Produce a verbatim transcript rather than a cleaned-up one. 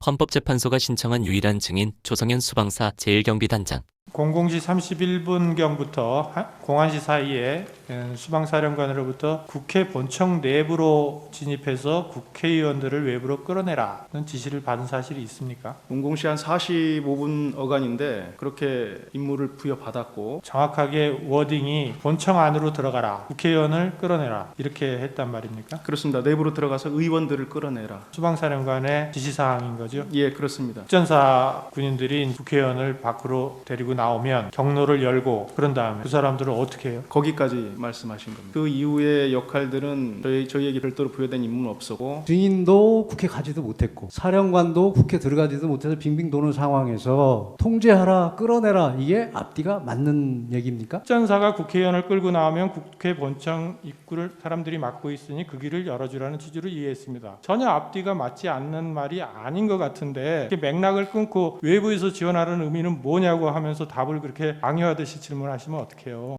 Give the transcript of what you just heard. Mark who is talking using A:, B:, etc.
A: 헌법재판소가 신청한 유일한 증인 조성현 수방사 제일경비단장.
B: 공공시 삼십일 분경부터 공안시 사이에 수방사령관으로부터 국회 본청 내부로 진입해서 국회의원들을 외부로 끌어내라는 지시를 받은 사실이 있습니까?
C: 공공시 한 사십오 분 어간인데 그렇게 임무를 부여받았고,
B: 정확하게 워딩이 본청 안으로 들어가라, 국회의원을 끌어내라 이렇게 했단 말입니까?
C: 그렇습니다. 내부로 들어가서 의원들을 끌어내라.
B: 수방사령관의 지시사항인 거죠?
C: 예, 그렇습니다.
B: 특전사 군인들이 국회의원을 밖으로 데리고 나오면 경로를 열고 그런 다음에 그 사람들을 어떻게 해요?
C: 거기까지 말씀하신 겁니다. 그 이후의 역할들은 저희, 저희에게 별도로 부여된 임무는 없었고,
D: 증인도 국회 가지도 못했고 사령관도 국회 들어가지도 못해서 빙빙 도는 상황에서 통제하라, 끌어내라, 이게 앞뒤가 맞는 얘기입니까?
B: 특전사가 국회의원을 끌고 나오면 국회 본청 입구를 사람들이 막고 있으니 그 길을 열어주라는 취지로 이해했습니다. 전혀 앞뒤가 맞지 않는 말이 아닌 것 같은데 이렇게 맥락을 끊고 외부에서 지원하라는 의미는 뭐냐고 하면서 답을 그렇게 강요하듯이 질문하시면 어떡해요?